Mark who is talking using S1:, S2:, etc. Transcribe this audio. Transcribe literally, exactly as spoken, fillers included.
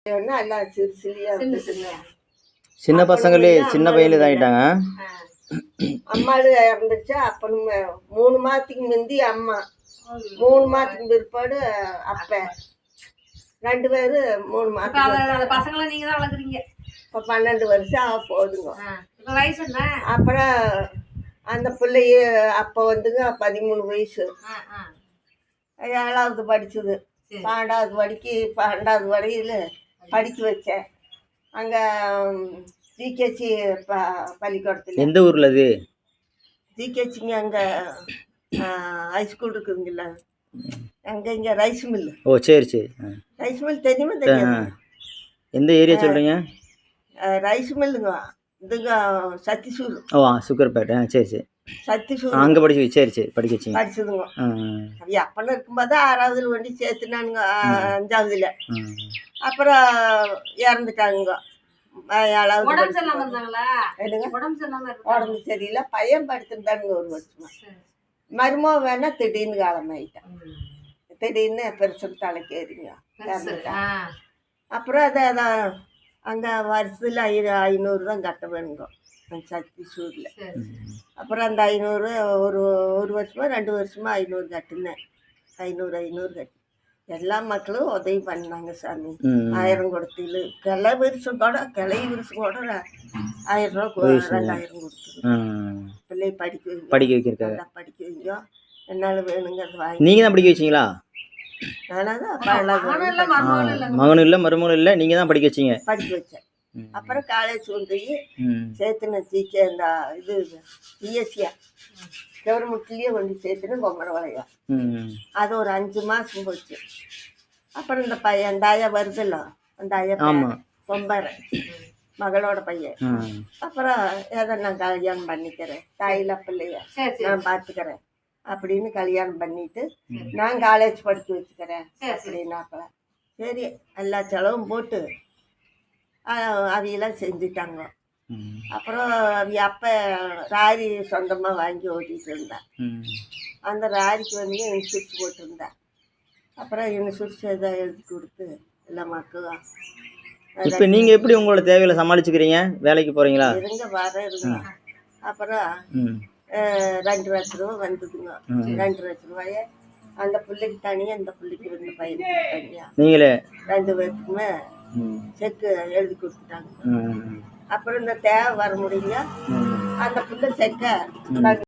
S1: எல்லாம் சிறு சிறியா
S2: சின்ன பசங்களே சின்ன பையில இதாயிட்டாங்க.
S1: அம்மாளு இறந்துச்சு. அப்பனும் மூணு மாதத்துக்கு முந்தி அம்மா, மூணு மாதத்துக்கு பிற்பாடு அப்ப ரெண்டு பேரு மூணு மாதம்.
S3: பசங்களை நீங்க தான் வளர்க்குறீங்க.
S1: இப்போ பன்னெண்டு வருஷம் ஆக போகுதுங்க.
S3: இப்போ வயசு என்ன?
S1: அப்புறம் அந்த பிள்ளைய அப்போ வந்துங்க பதிமூணு வயசு, ஏழாவது படிச்சுது. பன்னெண்டாவது படிக்கு பன்னெண்டாவது வரையில் படிக்க வச்சேன் அங்கே ஜிகேசி ப பள்ளிக்கூடத்தில்.
S2: எந்த ஊரில் அது?
S1: ஜிகேசிங்க அங்கே ஹைஸ்கூல் இருக்குதுங்கள, அங்கே இங்கே ரைஸ் மில்லு.
S2: ஓ சரி சரி.
S1: ரைஸ் மில் தெரியுமா? தெரியும்.
S2: எந்த ஏரியா சொல்கிறீங்க?
S1: ரைஸ் மில்லுங்க இதுங்க சத்திசூர்.
S2: ஓ சுக்கர்பேட்டை. சரி சரி.
S1: சத்திசூர்
S2: அங்கே படிச்சு. சரி சரி படிக்க வச்சிங்க.
S1: படிச்சதுங்க. அது அப்பன்னு இருக்கும்போது ஆறாவதுல வண்டி சேர்த்துனானுங்க, அஞ்சாவதுல. அப்புறம் இறந்துட்டாங்க ஏழாவது. உடம்பு சரியில்லை. பையன் படுத்துருந்தானுங்க ஒரு வருஷமா. மருமோ வேணா திடீர்னு காலமாயிட்டான். திடீர்னு பெருசு தலைக்கேறிங்க இறந்துட்டான். அப்புறம் அதை அதான் அங்கே வருஷத்தில் ஐ ஐநூறு தான் கட்ட வேணுங்க சத்திசூரில். அப்புறம் அந்த ஐநூறு ஒரு ஒரு வருஷமா ரெண்டு வருஷமா ஐநூறு கட்டுனேன். ஐநூறு ஐநூறு கட்டு எல்லா மக்களும் உதவி பண்ணாங்க சாமி. ஆயிரம் கொடுத்து கிளை விரிசம் கூட கிளை விரிசம் கூட ஆயிரம் ரூபா ரெண்டாயிரம் கொடுத்துரு பிள்ளை படிக்க
S2: படிக்க வைக்கிறதுக்காக.
S1: படிக்க வைங்க என்னால் வேணுங்க அது வாங்கி.
S2: நீங்கள் தான் படிக்க வச்சிங்களா? மகனும் இல்லை மருமகளும் இல்லை, நீங்க தான் படிக்க வச்சீங்க.
S1: படிக்க வச்சேன். அப்புறம் காலேஜ் கொண்டு போய் சேர்த்துன ஜிகே இந்த இது பிஎஸ்சியா கவர்மெண்ட்லயே கொண்டு சேர்த்துன்னு பொம்மரை வளையா. அது ஒரு அஞ்சு மாசம் போச்சு. அப்புறம் இந்த பையன் அந்த ஆயா வருதுல்ல, அந்த ஆயா பொம்பரை மகளோட பையன். அப்புறம் ஏதோ நான் கல்யாணம் பண்ணிக்கிறேன், தாயில பிள்ளைய நான் பார்த்துக்கிறேன் அப்படின்னு கல்யாணம் பண்ணிட்டு நான் காலேஜ் படிக்க வச்சுக்கிறேன் அப்படின்னாப்ப சரி எல்லா செலவும் போட்டு அவையெல்லாம் செஞ்சுட்டாங்க. அப்புறம் அவ அப்போ ராரி சொந்தமாக வாங்கி ஓட்டிகிட்டு இருந்தேன். அந்த ராரிக்கு வந்து இன்சூரன்ஸ் போட்டிருந்தேன். அப்புறம் இன்சூரன்ஸ் எதாவது எழுதி கொடுத்து எல்லா மக்களும்.
S2: இப்போ நீங்கள் எப்படி உங்களோட தேவைகளை சமாளிச்சுக்கிறீங்க? வேலைக்கு போகிறீங்களா?
S1: இருங்க வர இருங்க. அப்புறம் ரெண்டு லட்ச ரூபா வந்ததுங்க. ரெண்டு லட்ச ரூபாய அந்த பிள்ளைக்கு தனியாக இந்த பிள்ளைக்கு ரெண்டு பையனுக்கு தனியாக நீங்களே ரெண்டு பேருக்குமே செக்கு எழுதி கொடுத்துட்டாங்க. அப்புறம் இந்த தேவை வர முடியல அந்த பிள்ளை செக்கை